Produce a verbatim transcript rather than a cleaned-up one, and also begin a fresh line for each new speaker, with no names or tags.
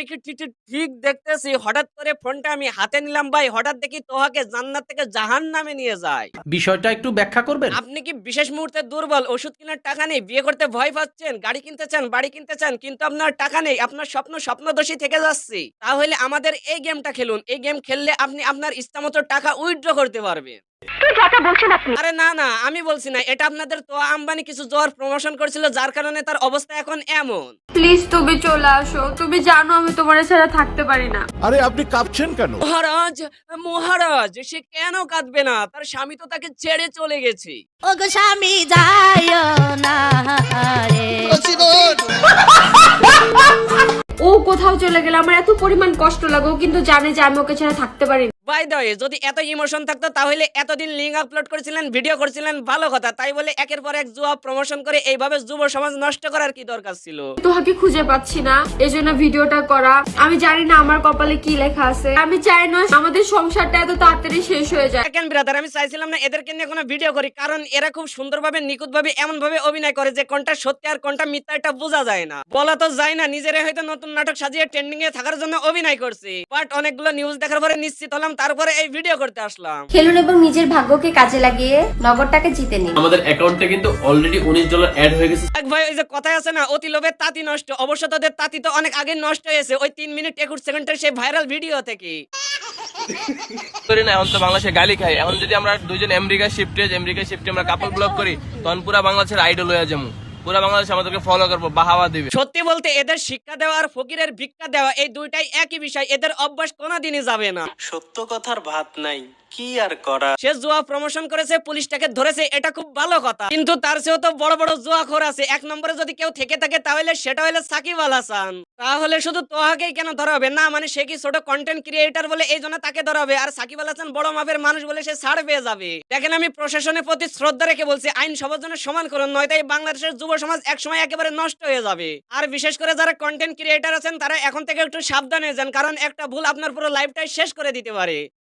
কি ঠিক ঠিক দেখতেছি হঠাৎ করে ফোনটা আমি হাতে নিলাম ভাই, হঠাৎ দেখি তোহাকে জান্নাত থেকে জাহান্নামে নিয়ে যায়।
বিষয়টা একটু ব্যাখ্যা করবেন?
আপনি কি বিশেষ মুহূর্তে দুর্বল, ওষুধ কেনার টাকা নেই, বিয়ে করতে ভয় পাচ্ছেন, গাড়ি কিনতে চান, বাড়ি কিনতে চান, কিন্তু আপনার টাকা নেই, আপনার স্বপ্ন স্বপ্নদোষী থেকে যাচ্ছে, তাহলে আমাদের এই গেমটা খেলুন। এই গেম খেললে আপনি আপনার ইচ্ছামতো টাকা উইথড্র করতে পারবেন। আরে না না, আমি বলছি না, এটা আপনাদের তো আম্বানি কিছু জ্বর প্রমোশন করছিল, যার কারণে তার অবস্থা এখন এমন।
প্লিজ তুমি চলে আসো, তুমি জানো আমি তোমার ছাড়া থাকতে পারি না।
আরে আপনি কাঁপছেন কেন?
মহারাজ মহারাজ সে কেন কাঁদবে না, তার স্বামী তো তাকে ছেড়ে চলে গেছে।
ওগো স্বামী যাইও না রে।
ও কোথাও চলে গেলে আমার এত পরিমাণ কষ্ট লাগে, ও কিন্তু জানে যে আমি ওকে ছাড়া থাকতে পারি না।
বাই দ্য ওয়ে, যদি এত ইমোশন থাকতো তাহলে এতদিন লিঙ্ক আপলোড করেছিলেন, ভিডিও করেছিলেন, ভালো কথা। তাই বলে একের পর এক জুয়া প্রমোশন করে এইভাবে যুব সমাজ নষ্ট করার কি দরকার ছিল?
তোহাকে খুঁজে পাচ্ছি না, এজন্য ভিডিওটা করা। আমি জানি না আমার কপালে কি লেখা আছে, আমি চাই না আমাদের সংসারটা এত তাড়াতাড়ি শেষ হয়ে যায়।
দেখেন ব্রাদার, আমি চাইছিলাম না এদেরকে নিয়ে কোনো ভিডিও করি, কারণ এরা খুব সুন্দরভাবে নিখুঁতভাবে এমন ভাবে অভিনয় করে যে কোনটা সত্যি আর কোনটা মিথ্যা এটা বোঝা যায় না, বলা তো যায় না। নিজেরা হয়তো নতুন নাটক সাজিয়ে ট্রেন্ডিং এ থাকার জন্য অভিনয় করছে, বাট অনেকগুলো নিউজ দেখার পরে নিশ্চিত হলাম, তারপরে এই ভিডিও করতে আসলাম।
খেলুন এবং নিজের ভাগ্যকে কাজে লাগিয়ে নগদটাকে জিতে নিন।
আমাদের অ্যাকাউন্টে কিন্তু অলরেডি উনিশ ডলার অ্যাড হয়ে গেছে।
এক ভাই, ওই যে কথায় আছে না, অতি লোভে তাঁতি নষ্ট। অবশ্য তাদের তাঁতি তো অনেক আগে নষ্ট হয়েছে ওই তিন মিনিট একুশ সেকেন্ডের সেই ভাইরাল ভিডিও থেকে।
করি না, এখন তো বাংলাদেশে গালি খাই। এখন যদি আমরা দুইজন আমেরিকা শিফটে আমেরিকা শিফটে আমরা কাপল ব্লগ করি, তখন পুরা বাংলাদেশের আইডল হয়ে যাবো, পুরা বাংলাদেশ আমাদেরকে ফলো করবো, বাহাবা দিবে।
সত্যি বলতে এদের শিক্ষা দেওয়া আর ফকিরের ভিক্ষা দেওয়া এই দুইটাই একই বিষয়, এদের অভ্যাস কোনোদিনই যাবে না।
সত্য কথার ভাত নাই, কি আর করা।
সে জুয়া প্রমোশন করেছে, পুলিশটাকে ধরেছে, এটা খুব ভালো কথা, কিন্তু তার চেয়েও তো বড় বড় জুয়াখোর আছে। এক নম্বরে যদি কেউ থেকে থাকে তাহলে সেটা হলো সাকিব আল হাসান। তাহলে শুধু তোহাকেই কেন ধরা হবে? না মানে সে কি ছোট কন্টেন্ট ক্রিয়েটর বলে এই জন্য তাকে ধরা হবে, আর সাকিব আল হাসান বড় মাপের মানুষ বলে সে ছাড় পেয়ে যাবে? দেখেন, আমি প্রশাসনের প্রতি শ্রদ্ধা রেখে বলছি, আইন সবার জন্য সমান করুন, নয়তো এই বাংলাদেশের যুব সমাজ একসময় একেবারে নষ্ট হয়ে যাবে। আর বিশেষ করে যারা কন্টেন্ট ক্রিয়েটর আছেন তারা এখন থেকে একটু সাবধান হয়ে যান, কারণ একটা ভুল আপনার পুরো লাইফটাই শেষ করে দিতে পারে।